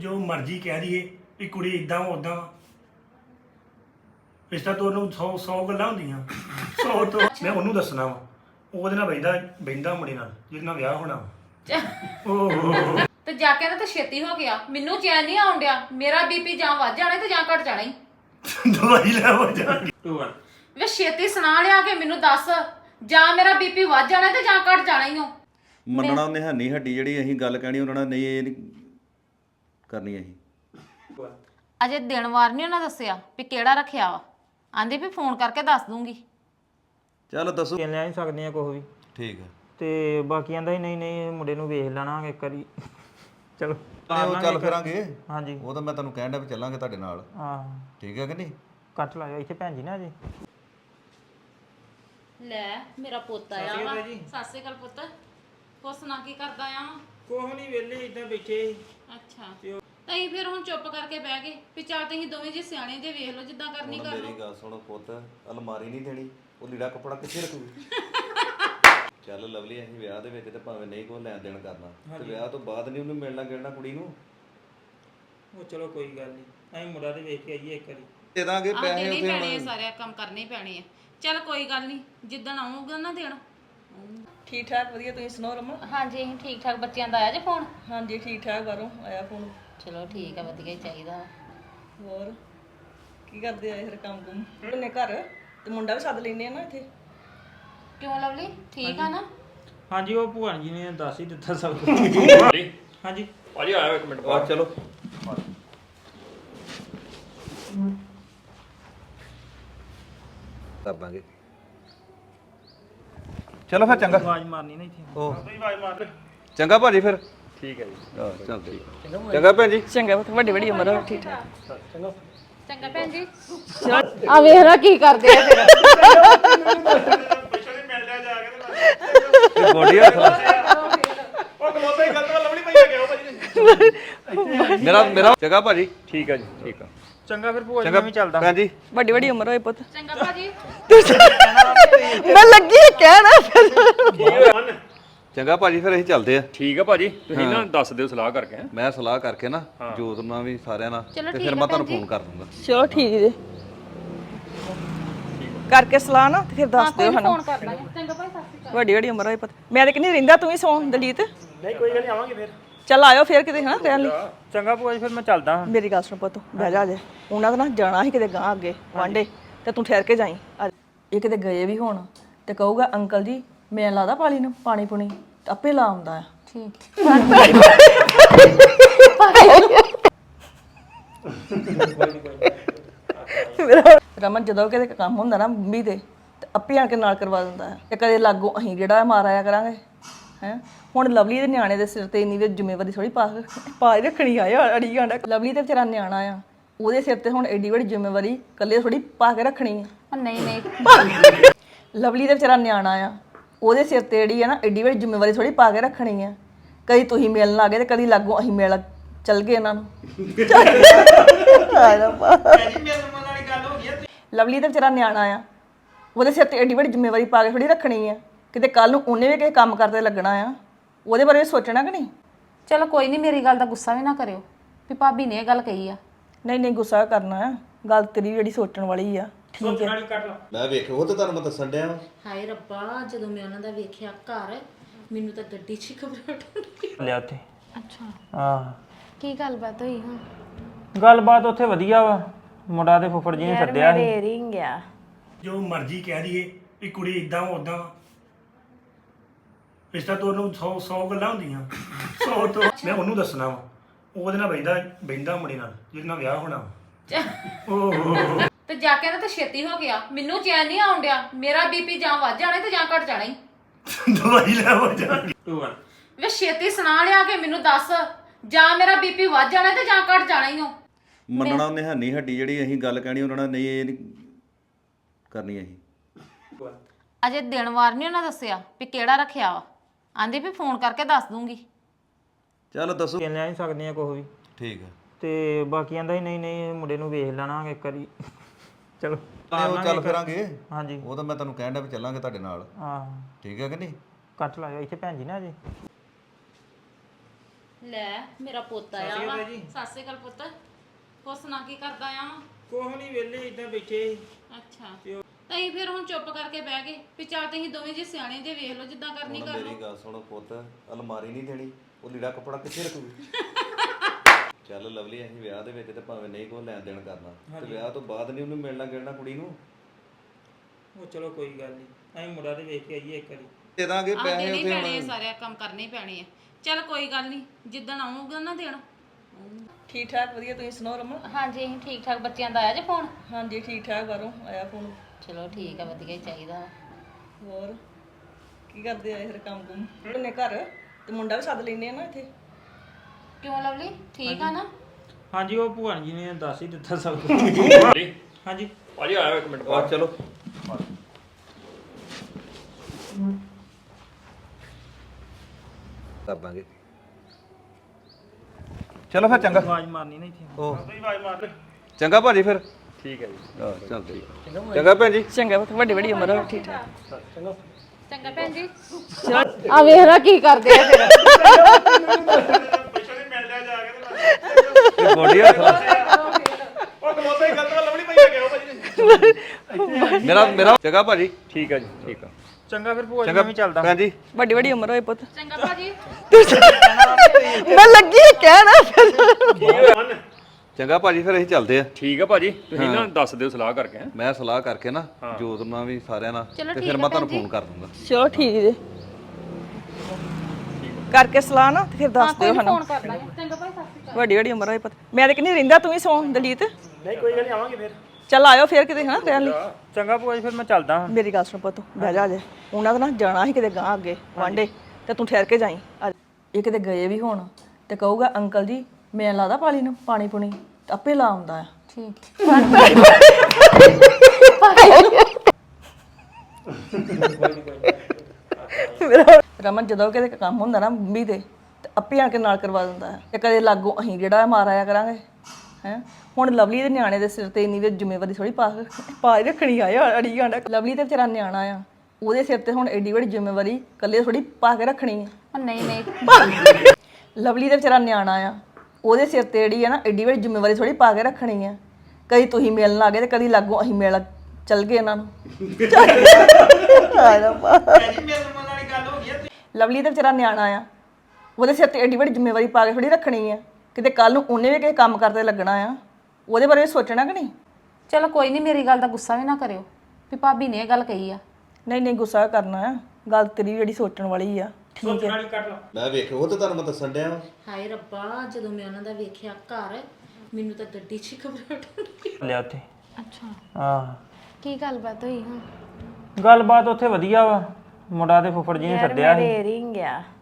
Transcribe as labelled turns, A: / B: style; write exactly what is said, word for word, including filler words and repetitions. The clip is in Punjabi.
A: ਜੋ ਮਰਜ਼ੀ ਕਹਿ ਦਈਏ ਵੀ ਕੁੜੀ ਇਦਾਂ ਉਦਾਂ ਰਿਸ਼ਤਾ ਤੋਰਨ ਨੂੰ ਸੌ ਸੌ ਗੱਲਾਂ ਹੁੰਦੀਆਂ ਸੌ ਤੋਂ ਮੈਂ ਉਹਨੂੰ ਦੱਸਣਾ ਵਾ ਉਹਦੇ ਨਾਲ ਬੈਂਦਾ ਬੈਂਦਾ ਮੁੰਡੇ ਨਾਲ ਜਿਹਦੇ ਨਾਲ ਵਿਆਹ ਹੋਣਾ ਓਹ
B: ਤੇ ਜਾ ਕੇ ਨਾ ਤੇ ਛੇਤੀ ਹੋ ਗਿਆ ਮੈਨੂੰ ਚੈਨ ਨਹੀਂ ਆਉਣ ਡਿਆ ਮੇਰਾ ਬੀਪੀ ਜਾਂ ਵੱਧ ਜਾਣਾ ਤੇ ਜਾਂ ਘਟ ਜਾਣਾ ਹੀ
A: ਦਵਾਈ ਲੈ ਹੋ ਜਾਣੀ
B: ਵੇ ਛੇਤੀ ਸੁਣਾ ਲਿਆ ਕੇ ਮੈਨੂੰ ਦੱਸ ਜਾਂ ਮੇਰਾ ਬੀਪੀ ਵੱਧ ਜਾਣਾ ਤੇ ਜਾਂ ਘਟ ਜਾਣਾ ਹੀ ਹੋ
C: ਮੰਨਣਾ ਉਹਨੇ ਹੈ ਨਹੀਂ ਹੱਡੀ ਜਿਹੜੀ ਅਸੀਂ ਗੱਲ ਕਹਿਣੀ ਉਹਨਾਂ ਨੇ ਨਹੀਂ ਇਹ ਨਹੀਂ ਕਰਨੀ ਅਸੀਂ
B: ਅਜੇ ਦਿਨ ਵਾਰ ਨਹੀਂ ਉਹਨਾਂ ਦੱਸਿਆ ਵੀ ਕਿਹੜਾ ਰੱਖਿਆ ਵਾ ਆਂਦੀ ਵੀ ਫੋਨ ਕਰਕੇ ਦੱਸ ਦੂੰਗੀ
C: ਚੱਲ ਦੱਸੋ
D: ਲੈ ਨਹੀਂ ਸਕਦੇ ਆ ਕੁਛ ਵੀ
C: ਠੀਕ ਹੈ
D: ਤੇ ਬਾਕੀ ਆਂਦਾ ਹੀ ਨਹੀਂ ਨਹੀਂ ਇਹ ਮੁੰਡੇ ਨੂੰ ਵੇਖ ਲੈਣਾ ਇੱਕ ਵਾਰੀ ਚਲੋ
C: ਉਹ ਚੱਲ ਫਿਰਾਂਗੇ
D: ਹਾਂਜੀ
C: ਉਹ ਤਾਂ ਮੈਂ ਤੁਹਾਨੂੰ ਕਹਿਣ ਡਿਆ ਵੀ ਚੱਲਾਂਗੇ ਤੁਹਾਡੇ ਨਾਲ
D: ਆਹ
C: ਠੀਕ ਹੈ ਕਿ ਨਹੀਂ
D: ਕੱਟ ਲਾਇਓ ਇੱਥੇ ਭੈਣ ਜੀ ਨਾ ਜੀ
B: ਲੈ ਮੇਰਾ ਪੁੱਤ ਆਇਆ ਵਾ ਸਤਿ ਸ਼੍ਰੀ ਅਕਾਲ ਪੁੱਤ ਹੋਰ ਸੁਣਾ ਕੀ ਕਰਦਾ ਆ
D: ਕੋਹ ਨਹੀਂ ਵੇਲੇ ਇਦਾਂ ਬੈਠੇ
B: ਅੱਛਾ ਤਈ ਫਿਰ ਹੁਣ ਚੁੱਪ ਕਰਕੇ ਬਹਿ ਗਏ ਵੀ ਚੱਲ ਤੁਸੀਂ ਦੋਵੇਂ ਜੀ ਸਿਆਣੇ ਜੇ ਵੇਖ ਲਓ ਜਿੱਦਾਂ ਕਰਨੀ ਕਰ ਲਓ
C: ਮੇਰੀ ਗੱਲ ਸੁਣੋ ਪੁੱਤ ਅਲਮਾਰੀ ਨਹੀਂ ਦੇਣੀ ਉਹ ਲੀੜਾ ਕੱਪੜਾ ਕਿੱਥੇ ਰੱਖੂ ਚੱਲ ਲਵਲੀ ਅਸੀਂ ਵਿਆਹ ਦੇ ਵਿੱਚ ਤੇ ਭਾਵੇਂ ਨਹੀਂ ਕੋਈ ਲੈਣ ਦੇਣ ਕਰਨਾ ਤੇ ਵਿਆਹ ਤੋਂ ਬਾਅਦ ਨਹੀਂ ਉਹਨੂੰ ਮਿਲਣਾ ਗਿਲਣਾ ਕੁੜੀ ਨੂੰ
D: ਉਹ ਚਲੋ ਕੋਈ ਗੱਲ ਨਹੀਂ ਅਸੀਂ ਮੁੰਡਾ ਤੇ ਵੇਖ ਕੇ ਆਈਏ ਇੱਕ ਵਾਰੀ
C: ਦੇ ਦਾਂਗੇ
B: ਆਹ
C: ਪੈਸੇ
B: ਦੇਣੇ
C: ਉੱਥੇ
B: ਪੈਣੇ ਆ, ਸਾਰੇ ਕੰਮ ਕਰਨੇ ਹੀ ਪੈਣੇ ਆ ਚੱਲ ਕੋਈ ਗੱਲ ਨਹੀਂ ਜਿੱਦਣ ਆਊਗਾ ਨਾ ਦੇਣ
E: ਠੀਕ ਠਾਕ ਵਧੀਆ ਤੁਸੀਂ ਸੁਣਾਓ ਰਮਨ
B: ਹਾਂਜੀ ਅਸੀਂ ਠੀਕ ਠਾਕ ਬੱਚਿਆਂ ਦਾ ਆਇਆ ਜੇ ਫੋਨ
E: ਹਾਂਜੀ ਠੀਕ ਠਾਕ ਬਾਹਰੋਂ ਆਇਆ ਫੋਨ
B: ਚਲੋ ਠੀਕ ਆ ਵਧੀਆ ਹੀ ਚਾਹੀਦਾ
E: ਹੋਰ ਕੀ ਕਰਦੇ ਆਏ ਫਿਰ ਕੰਮ ਕੁਮ ਉਹਨੇ ਘਰ ਤੇ ਮੁੰਡਾ ਵੀ ਸੱਦ ਲੈਨੇ ਆ ਨਾ ਇੱਥੇ
B: ਕਿਉਂ ਲਵਲੀ ਠੀਕ ਆ ਨਾ
D: ਹਾਂਜੀ ਉਹ ਭੂਆਨ ਜੀ ਨੇ ਦੱਸ ਹੀ ਦਿੱਤਾ ਸਭ ਕੁਝ ਹਾਂਜੀ
F: ਭਾਜੀ ਆਇਆ ਇੱਕ ਮਿੰਟ
C: ਆ ਚਲੋ ਕਰ ਦਾਂਗੇ ਚਲੋ ਫਿਰ ਚੰਗਾ
D: ਆਵਾਜ਼ ਮਾਰਨੀ ਨਾ ਇੱਥੇ
C: ਉਹ ਚੰਗਾ ਭਾਜੀ ਫਿਰ
F: ਠੀਕ ਹੈ ਜੀ
C: ਹਾਂ ਚੱਲ ਠੀਕ ਚੰਗਾ ਭੈਣ ਜੀ
E: ਚੰਗਾ ਵੱਡੀ ਵੱਡੀ ਉਮਰ ਹੋ ਠੀਕ ਠਾਕ
B: ਚੰਗਾ ਭੈਣ ਜੀ ਆ ਵੇਖ ਲੈ ਕੀ ਕਰਦੇ ਆ
C: ਤੇ ਬੋਡੀ ਹੱਥ ਲਾ
F: ਉਹ ਕਲੋਤਾ ਹੀ ਗਲਤ ਵਾ ਲਵਲੀ ਭਈਆ ਗਿਆ ਭਾਜੀ
C: ਮੇਰਾ ਮੇਰਾ ਚੰਗਾ ਭਾਜੀ
F: ਠੀਕ ਹੈ ਜੀ ਠੀਕ ਆ
D: ਚੰਗਾ ਫਿਰ ਭੂਆ ਜੀ
C: ਚੰਗਾ
D: ਮੈਂ ਵੀ ਚੱਲਦਾ
C: ਭੈਣ ਜੀ
E: ਵੱਡੀ ਵੱਡੀ ਉਮਰ ਹੋਏ ਪੁੱਤ
B: ਚੰਗਾ ਭਾਜੀ
E: ਮੈਂ ਲੱਗੀ ਕਹਿਣਾ
C: ਚੰਗਾ ਭਾਜੀ ਫਿਰ ਅਸੀਂ ਚੱਲਦੇ ਆ
F: ਠੀਕ ਆ ਭਾਜੀ ਤੁਸੀਂ ਨਾ ਦੱਸ ਦਿਓ ਸਲਾਹ ਕਰਕੇ ਹੈਂ।
C: ਮੈਂ ਸਲਾਹ ਕਰਕੇ ਨਾ ਜੋਤ ਨਾਲ ਵੀ ਸਾਰਿਆਂ ਨਾਲ
B: ਚਲੋ
C: ਤੇ
B: ਠੀਕ
C: ਫਿਰ
B: ਆ
C: ਮੈਂ ਤੁਹਾਨੂੰ
B: ਭੈਣ
C: ਫੋਨ ਕਰ ਦੂੰਗਾ
E: ਚਲੋ ਠੀਕ ਜੀ ਕਰਕੇ ਸਲਾਹ ਨਾ ਤੇ ਫਿਰ ਦੱਸ ਦਿਓ ਸਾਨੂੰ
B: ਫੋਨ ਕਰ ਦਾਂਗੇ ਚੰਗਾ ਭਾਈ ਸਤਿ ਸ਼੍ਰੀ
E: ਵੱਡੀ ਵੱਡੀ ਉਮਰ ਹੋਏ ਪੁੱਤ ਮੈਂ ਤੇ ਕਿੰਨੀ ਰਹਿੰਦਾ ਤੂੰ ਹੀ ਸੌਂ ਦਲੀਤ
D: ਨਹੀਂ ਕੋਈ ਗੱਲ ਨਹੀਂ ਆਵਾਂਗੇ ਫਿਰ
E: ਚੱਲ ਆਇਓ ਫਿਰ ਕਿਤੇ ਹਨਾ ਰਹਿਣ ਲਈ
D: ਚੰਗਾ ਭੂਆ ਜੀ ਫਿਰ ਮੈਂ ਚੱਲਦਾ ਹਾਂ
E: ਮੇਰੀ ਗੱਲ ਸੁਣ ਪੁੱਤ ਬਹਿ ਜਾ ਜੇ ਉਹਨਾਂ ਦਾ ਨਾ ਜਾਣਾ ਸੀ ਕਿਤੇ ਗਾਂ ਅੱਗੇ ਵਾਂਡੇ ਤੇ ਤੂੰ ਠਹਿਰ ਕੇ ਜਾਈਂ ਆ- ਇਹ ਕਿਤੇ ਗਏ ਵੀ ਹੋਣ ਤੇ ਕਹੂਗਾ ਅੰਕਲ ਜੀ ਮੈਂ ਲਾਦਾ ਪਾਣੀ ਨੂੰ ਪਾਣੀ ਪੁਣੀ ਤੇ ਆਪੇ ਲਾ ਆਉਂਦਾ ਆ
B: ਠੀਕ
E: ਰਮਨ ਜਦੋਂ ਕਿਤੇ ਕੰਮ ਹੁੰਦਾ ਨਾ ਮੰਮੀ ਦੇ ਤੇ ਆਪੇ ਆ ਕੇ ਨਾਲ ਕਰਵਾ ਦਿੰਦਾ ਹੈ ਤੇ ਕਦੇ ਲਾਗੋ ਅਸੀਂ ਜਿਹੜਾ ਮਾਰ ਆਇਆ ਕਰਾਂਗੇ ਹੈ ਹੁਣ ਲਵਲੀ ਦੇ ਨਿਆਣੇ ਦੇ ਸਿਰ ਤੇ ਇੰਨੀ ਵੀ ਜ਼ਿੰਮੇਵਾਰੀ ਥੋੜੀ ਪਾ ਪਾ ਹੀ ਰੱਖਣੀ ਆ ਅੜੀ ਗਾਂਡਾ ਲਵਲੀ ਤੇ ਵਿਚਾਰਾ ਨਿਆਣਾ ਆ ਉਹਦੇ ਸਿਰ ਤੇ ਹੁਣ ਐਡੀ ਵੱਡੀ ਜ਼ਿੰਮੇਵਾਰੀ ਇਕੱਲੇ ਥੋੜੀ ਪਾ ਕੇ ਰੱਖਣੀ ਹੈ
B: ਉਹ ਨਹੀਂ ਨਹੀਂ
E: ਲਵਲੀ ਦੇ ਵਿਚਾਰਾ ਨਿਆਣਾ ਆ ਉਹਦੇ ਸਿਰ ਤੇ ਜਿਹੜੀ ਆ ਨਾ ਐਡੀ ਵੱਡੀ ਜ਼ਿੰਮੇਵਾਰੀ ਥੋੜੀ ਪਾ ਕੇ ਰੱਖਣੀ ਆ ਕਦੀ ਤੁਸੀਂ ਮਿਲਣ ਆ ਗਏ ਤੇ ਕਦੀ ਲਾਗੋ ਅਸੀਂ ਮਿਲ ਚੱਲ ਗਏ ਇਹਨਾਂ ਨੂੰ ਲਵਲੀ ਦਾ ਵਿਚਾਰਾ ਨਿਆਣਾ ਆ ਉਹਦੇ ਸਿਰ ਤੇ ਐਡੀ ਵੱਡੀ ਜ਼ਿੰਮੇਵਾਰੀ ਪਾ ਕੇ ਥੋੜੀ ਰੱਖਣੀ ਆ ਕਿਤੇ ਕੱਲ ਨੂੰ ਉਹਨੇ ਵੀ ਕਿਸੇ ਕੰਮ ਕਰਦੇ ਲੱਗਣਾ ਆ ਉਹਦੇ ਬਾਰੇ ਸੋਚਣਾ ਕਿ ਨਹੀਂ
B: ਚਲੋ ਕੋਈ ਨਹੀਂ ਮੇਰੀ ਗੱਲ ਦਾ ਗੁੱਸਾ ਵੀ ਨਾ ਕਰਿਓ ਵੀ ਭਾਬੀ ਨੇ ਇਹ ਗੱਲ ਕਹੀ ਆ
E: ਨਹੀਂ ਨਹੀਂ ਗੁੱਸਾ ਕਰਨਾ ਆ ਗੱਲ ਤੇਰੀ ਜਿਹੜੀ ਸੋਚਣ ਵਾਲੀ ਆ ਠੀਕ ਹੈ
C: ਮੈਂ ਵੇਖਿਆ ਉਹ ਤਾਂ ਤੁਹਾਨੂੰ ਮੈਂ ਦੱਸਣ ਡਿਆ
B: ਹਾਏ ਰੱਬਾ ਜਦੋਂ ਮੈਂ ਉਹਨਾਂ ਦਾ ਵੇਖਿਆ ਘਰ ਮੈਨੂੰ ਤਾਂ ਗੱਡੀ 'ਚ ਘਬਰਾਹਟ
D: ਲਿਆ ਉੱਥੇ
B: ਅੱਛਾ
D: ਆਹ
B: ਕੀ ਗੱਲਬਾਤ ਹੋਈ ਹਾਂ
D: ਗੱਲਬਾਤ ਉੱਥੇ ਵਧੀਆ ਵਾ ਮੁੰਡਾ ਤੇ ਫੁੱਫੜ ਜੀ ਨੇ ਸੱਦਿਆ ਸੀ
E: ਰਿੰਗ ਆ
A: ਜੋ ਮਰਜ਼ੀ ਕਹਿ ਦਈਏ ਵੀ ਕੁੜੀ ਇਦਾਂ ਉਦਾਂ ਰਿਸ਼ਤਾ ਤੋਰਨ ਨੂੰ ਸੌ ਸੌ ਗੱਲਾਂ ਹੁੰਦੀਆਂ ਸੌ ਤੋਂ ਮੈਂ ਉਹਨੂੰ ਦੱਸਣਾ ਵਾ ਉਹਦੇ ਨਾਲ ਬੈਂਦਾ ਬੈਂਦਾ ਮੁੰਡੇ ਨਾਲ ਜਿਹਦੇ ਨਾਲ ਵਿਆਹ ਹੋਣਾ ਓਹ
B: ਤੇ ਜਾ ਕੇ ਨਾ ਤੇ ਛੇਤੀ ਹੋ ਗਿਆ ਮੈਨੂੰ ਚੈਨ ਨਹੀਂ ਆਉਣ ਡਿਆ ਮੇਰਾ ਬੀਪੀ ਜਾਂ ਵੱਧ ਜਾਣਾ ਤੇ ਜਾਂ ਘਟ ਜਾਣਾ ਹੀ
A: ਦਵਾਈ ਲੈ ਹੋ ਜਾਣੀ
B: ਵੇ ਛੇਤੀ ਸੁਣਾ ਲਿਆ ਕੇ ਮੈਨੂੰ ਦੱਸ ਜਾਂ ਮੇਰਾ ਬੀਪੀ ਵੱਧ ਜਾਣਾ ਤੇ ਜਾਂ ਘਟ ਜਾਣਾ ਹੀ ਹੋ
C: ਮੰਨਣਾ ਉਹਨੇ ਹੈ ਨਹੀਂ ਹੱਡੀ ਜਿਹੜੀ ਅਸੀਂ ਗੱਲ ਕਹਿਣੀ ਉਹਨਾਂ ਨੇ ਨਹੀਂ ਇਹ ਨਹੀਂ ਕਰਨੀ ਅਸੀਂ
B: ਅਜੇ ਦਿਨ ਵਾਰ ਨਹੀਂ ਉਹਨਾਂ ਦੱਸਿਆ ਵੀ ਕਿਹੜਾ ਰੱਖਿਆ ਵਾ ਆਂਦੀ ਵੀ ਫੋਨ ਕਰਕੇ ਦੱਸ ਦੂੰਗੀ
C: ਚੱਲ ਦੱਸੋ
D: ਲੈ ਨਹੀਂ ਸਕਦੇ ਆ ਕੁਛ ਵੀ
C: ਠੀਕ ਹੈ
D: ਤੇ ਬਾਕੀ ਆਂਦਾ ਹੀ ਨਹੀਂ ਨਹੀਂ ਇਹ ਮੁੰਡੇ ਨੂੰ ਵੇਖ ਲੈਣਾ ਇੱਕ ਵਾਰੀ ਚਲੋ
C: ਉਹ ਚੱਲ ਫਿਰਾਂਗੇ
D: ਹਾਂਜੀ
C: ਉਹ ਤਾਂ ਮੈਂ ਤੁਹਾਨੂੰ ਕਹਿਣ ਡਿਆ ਵੀ ਚੱਲਾਂਗੇ ਤੁਹਾਡੇ ਨਾਲ
D: ਆਹ
C: ਠੀਕ ਹੈ ਕਿ ਨਹੀਂ
D: ਕੱਟ ਲਾਇਓ ਇੱਥੇ ਭੈਣ ਜੀ ਨਾ ਜੀ
B: ਲੈ ਮੇਰਾ ਪੁੱਤ ਆਇਆ ਵਾ ਸਤਿ ਸ਼੍ਰੀ ਅਕਾਲ ਪੁੱਤ ਹੋਰ ਸੁਣਾ ਕੀ ਕਰਦਾ ਆ
D: ਕੋਹ ਨਹੀਂ ਵੇਲੇ ਇਦਾਂ ਬੈਠੇ
B: ਅੱਛਾ ਤਹੀਂ ਫਿਰ ਹੁਣ ਚੁੱਪ ਕਰਕੇ ਬਹਿ ਗਏ ਵੀ ਚੱਲ ਤੁਸੀਂ ਦੋਵੇਂ ਜੀ ਸਿਆਣੇ ਜੇ ਵੇਖ ਲਓ ਜਿੱਦਾਂ ਕਰਨੀ ਕਰ ਲਓ
C: ਮੇਰੀ ਗੱਲ ਸੁਣੋ ਪੁੱਤ ਅਲਮਾਰੀ ਨਹੀਂ ਦੇਣੀ ਉਹ ਲੀੜਾ ਕੱਪੜਾ ਕਿੱਥੇ ਰੱਖੂਗੀ ਚੱਲ ਲਵਲੀ ਅਸੀਂ ਵਿਆਹ ਦੇ ਵਿੱਚ ਤੇ ਭਾਵੇਂ ਨਹੀਂ ਕੋਈ ਲੈਣ ਦੇਣ ਕਰਨਾ ਤੇ ਵਿਆਹ ਤੋਂ ਬਾਅਦ ਨਹੀਂ ਉਹਨੂੰ ਮਿਲਣਾ ਗਿਲਣਾ ਕੁੜੀ ਨੂੰ
D: ਉਹ ਚਲੋ ਕੋਈ ਗੱਲ ਨਹੀਂ ਅਸੀਂ ਮੁੰਡਾ ਤੇ ਵੇਖ ਕੇ ਆਈਏ ਇੱਕ ਵਾਰੀ
C: ਦੇ ਦਾਂਗੇ
B: ਆਹ
C: ਪੈਸੇ
B: ਦੇਣੇ
C: ਉੱਥੇ
B: ਪੈਣੇ ਆ, ਸਾਰੇ ਕੰਮ ਕਰਨੇ ਹੀ ਪੈਣੇ ਆ ਚੱਲ ਕੋਈ ਗੱਲ ਨਹੀਂ ਜਿੱਦਣ ਆਉਂਗਾ ਨਾ ਦੇਣ
E: ਠੀਕ ਠਾਕ ਵਧੀਆ ਤੁਸੀਂ ਸੁਣਾਓ ਰਮਨ
B: ਹਾਂਜੀ ਅਸੀਂ ਠੀਕ ਠਾਕ ਬੱਚਿਆਂ ਦਾ ਆਇਆ ਜੇ ਫੋਨ
E: ਹਾਂਜੀ ਠੀਕ ਠਾਕ ਬਾਹਰੋਂ ਆਇਆ ਫੋਨ
B: ਚਲੋ ਠੀਕ ਆ ਵਧੀਆ ਹੀ ਚਾਹੀਦਾ
E: ਹੋਰ ਕੀ ਕਰਦੇ ਆ ਫਿਰ ਕੰਮ ਕੁਮ ਨੇ ਘਰ ਤੇ ਮੁੰਡਾ ਵੀ ਸੱਦ ਲੈਨੇ ਆ ਨਾ ਇੱਥੇ
B: ਕਿਉਂ ਲਵਲੀ ਠੀਕ ਆ ਨਾ
D: ਹਾਂਜੀ ਉਹ ਭੂਆਨ ਜੀ ਨੇ ਦੱਸ ਹੀ ਦਿੱਤਾ ਸਭ ਕੁਝ ਹਾਂਜੀ
F: ਭਾਜੀ ਆਇਆ ਇੱਕ ਮਿੰਟ
C: ਆ ਚਲੋ ਕਰ ਦਾਂਗੇ ਚਲੋ ਫਿਰ ਚੰਗਾ
D: ਆਵਾਜ਼ ਮਾਰਨੀ ਨਾ ਇੱਥੇ
C: ਉਹ
F: ਆਵਾਜ਼ ਮਾਰ ਲੈ
C: ਚੰਗਾ ਭਾਜੀ ਫਿਰ
F: ਠੀਕ ਹੈ ਜੀ
C: ਹਾਂ ਚੱਲ ਠੀਕ ਚੰਗਾ ਭੈਣ ਜੀ
E: ਚੰਗਾ ਪੁੱਤ, ਵੱਡੀ ਵੱਡੀ ਉਮਰ ਹੋ ਠੀਕ ਠਾਕ
B: ਚੰਗਾ ਭੈਣ ਜੀ ਆ ਵੇਖ ਲੈ ਕੀ ਕਰਦੇ ਆ ਫਿਰ
F: ਪੈਸੇ ਨਹੀਂ ਮਿਲ ਜਾ ਜਾ ਕੇ ਤੇ
C: ਬੋਡੀ ਰੱਖ ਲਾ
F: ਉਹ ਖਲੋਤੇ ਹੀ ਗਲਤ ਲਵਲੀ ਭਾਈ ਆ ਗਿਆ ਭਾਜੀ
C: ਮੇਰਾ ਮੇਰਾ ਚੰਗਾ ਭਾਜੀ
F: ਠੀਕ ਹੈ ਜੀ ਠੀਕ ਆ
D: ਚੰਗਾ ਫਿਰ ਭੂਆ ਜੀ
C: ਚੰਗਾ
D: ਮੈਂ ਵੀ ਚੱਲਦਾ
C: ਭੈਣ ਜੀ
E: ਵੱਡੀ ਵੱਡੀ ਉਮਰ ਹੋਏ ਪੁੱਤ
B: ਚੰਗਾ ਭਾਜੀ
E: ਮੈਂ ਲੱਗੀ ਕਹਿਣਾ ਫਿਰ
C: ਚੰਗਾ ਭਾਜੀ ਫਿਰ ਅਸੀਂ ਚੱਲਦੇ ਆ
F: ਠੀਕ ਆ ਭਾਜੀ ਤੁਸੀਂ ਨਾ ਦੱਸ ਦਿਓ ਸਲਾਹ ਕਰਕੇ
C: ਮੈਂ ਸਲਾਹ ਕਰਕੇ ਨਾ ਜੋਤ ਨਾਲ ਵੀ ਸਾਰਿਆਂ ਨਾਲ
B: ਚਲੋ
C: ਤੇ
B: ਠੀਕ
C: ਫਿਰ
B: ਆ
C: ਮੈਂ ਤੁਹਾਨੂੰ
B: ਭੈਣ ਜੀ।
C: ਫੋਨ ਕਰ ਦੂੰਗਾ
E: ਚਲੋ ਠੀਕ ਜੀ ਕਰਕੇ ਸਲਾਹ ਨਾ ਤੇ ਫਿਰ ਦੱਸ ਦਿਓ ਸਾਨੂੰ
B: ਫੋਨ ਕਰ ਦਾਂਗੇ ਚੰਗਾ ਭਾਈ ਸਤਿ ਸ਼੍ਰੀ ਅਕਾਲ
E: ਵੱਡੀ ਵੱਡੀ ਉਮਰ ਹੋਏ ਪੁੱਤ ਮੈਂ ਤੇ ਕਿੰਨੀ ਰਹਿੰਦਾ ਤੂੰ ਹੀ ਸੌਂ ਦਲੀਤ
F: ਨਹੀਂ ਕੋਈ ਗੱਲ ਨਹੀਂ ਆਵਾਂਗੇ ਫਿਰ
E: ਚੱਲ ਆਇਓ ਫਿਰ ਕਿਤੇ ਹਨਾ ਰਹਿਣ ਲਈ
D: ਚੰਗਾ ਭੂਆ ਜੀ ਫਿਰ ਮੈਂ ਚੱਲਦਾ ਹਾਂ
E: ਮੇਰੀ ਗੱਲ ਸੁਣ ਪੁੱਤ ਬਹਿ ਜਾ ਜੇ ਉਹਨਾਂ ਦਾ ਨਾ ਜਾਣਾ ਸੀ ਕਿਤੇ ਗਾਂ ਅੱਗੇ ਵਾਂਡੇ ਤੇ ਤੂੰ ਠਹਿਰ ਕੇ ਜਾਈਂ ਆ ਇਹ ਕਿਤੇ ਗਏ ਵੀ ਹੋਣ ਤੇ ਕਹੂਗਾ ਅੰਕਲ ਜੀ ਮੈਂ ਲਾਦਾ ਪਾਣੀ ਨੂੰ ਪਾਣੀ ਪੁਣੀ ਆਪੇ ਲਾ ਆਉਂਦਾ ਆ
B: ਠੀਕ
E: ਰਮਨ ਜਦੋਂ ਕਿਤੇ ਕੰਮ ਹੁੰਦਾ ਨਾ ਮੰਮੀ ਦੇ ਤੇ ਆਪੇ ਆ ਕੇ ਨਾਲ ਕਰਵਾ ਦਿੰਦਾ ਹੈ ਤੇ ਕਦੇ ਲਾਗੋ ਅਸੀਂ ਜਿਹੜਾ ਮਾਰ ਆਇਆ ਕਰਾਂਗੇ ਹੈ ਹੁਣ ਲਵਲੀ ਦੇ ਨਿਆਣੇ ਦੇ ਸਿਰ ਤੇ ਇੰਨੀ ਵੀ ਜ਼ਿੰਮੇਵਾਰੀ ਥੋੜੀ ਪਾ ਪਾ ਹੀ ਰੱਖਣੀ ਆ ਅੜੀ ਆਂਡਾ ਲਵਲੀ ਤੇ ਵਿਚਾਰਾ ਨਿਆਣਾ ਆ ਉਹਦੇ ਸਿਰ ਤੇ ਹੁਣ ਐਡੀ ਵੱਡੀ ਜ਼ਿੰਮੇਵਾਰੀ ਇਕੱਲੇ ਥੋੜੀ ਪਾ ਕੇ ਰੱਖਣੀ ਆ
B: ਨਹੀਂ ਨਹੀਂ
E: ਲਵਲੀ ਦੇ ਵਿਚਾਰਾ ਨਿਆਣਾ ਆ ਉਹਦੇ ਸਿਰ ਤੇ ਜਿਹੜੀ ਆ ਨਾ ਐਡੀ ਵੱਡੀ ਜ਼ਿੰਮੇਵਾਰੀ ਥੋੜੀ ਪਾ ਕੇ ਰੱਖਣੀ ਆ ਕਦੀ ਤੁਸੀਂ ਮਿਲਣ ਆ ਗਏ ਤੇ ਕਦੀ ਲਾਗੋ ਅਸੀਂ ਮਿਲ ਚੱਲ ਗਏ ਇਹਨਾਂ ਨੂੰ ਲਵਲੀ ਤੇ ਵਿਚਾਰਾ ਨਿਆਣਾ ਆ ਉਹਦੇ ਸਿਰ ਤੇ ਐਡੀ ਵੱਡੀ ਜ਼ਿੰਮੇਵਾਰੀ ਪਾ ਕੇ ਥੋੜੀ ਰੱਖਣੀ ਆ ਕਿਤੇ ਕੱਲ ਨੂੰ ਉਹਨੇ ਵੀ ਕਿਸੇ ਕੰਮ ਕਰਦੇ ਲੱਗਣਾ ਆ ਉਹਦੇ ਬਾਰੇ ਸੋਚਣਾ ਕਿ ਨਹੀਂ
B: ਚਲੋ ਕੋਈ ਨਹੀਂ ਮੇਰੀ ਗੱਲ ਦਾ ਗੁੱਸਾ ਵੀ ਨਾ ਕਰਿਓ ਵੀ ਭਾਬੀ ਨੇ ਇਹ ਗੱਲ ਕਹੀ ਆ
E: ਨਹੀਂ ਨਹੀਂ ਗੁੱਸਾ ਕਰਨਾ ਆ ਗੱਲ ਤੇਰੀ ਜਿਹੜੀ ਸੋਚਣ ਵਾਲੀ ਆ ਠੀਕ ਹੈ
C: ਮੈਂ ਵੇਖਿਆ ਉਹ ਤਾਂ ਤੁਹਾਨੂੰ ਮੈਂ ਦੱਸਣ ਡਿਆ ਵਾਂ।
B: ਹਾਏ ਰੱਬਾ ਜਦੋਂ ਮੈਂ ਉਹਨਾਂ ਦਾ ਵੇਖਿਆ ਘਰ ਮੈਨੂੰ ਤਾਂ ਗੱਡੀ 'ਚ ਘਬਰਾਹਟ
D: ਲਿਆ ਉੱਥੇ
B: ਅੱਛਾ
D: ਹਾਂ
B: ਕੀ ਗੱਲਬਾਤ ਹੋਈ ਹੁਣ
D: ਗੱਲਬਾਤ ਉੱਥੇ ਵਧੀਆ ਵਾ ਮੁੰਡਾ ਤੇ ਫੁੱਫੜ ਜੀ ਨੇ ਸੱਦਿਆ ਸੀ
G: ਰਿੰਗ ਆ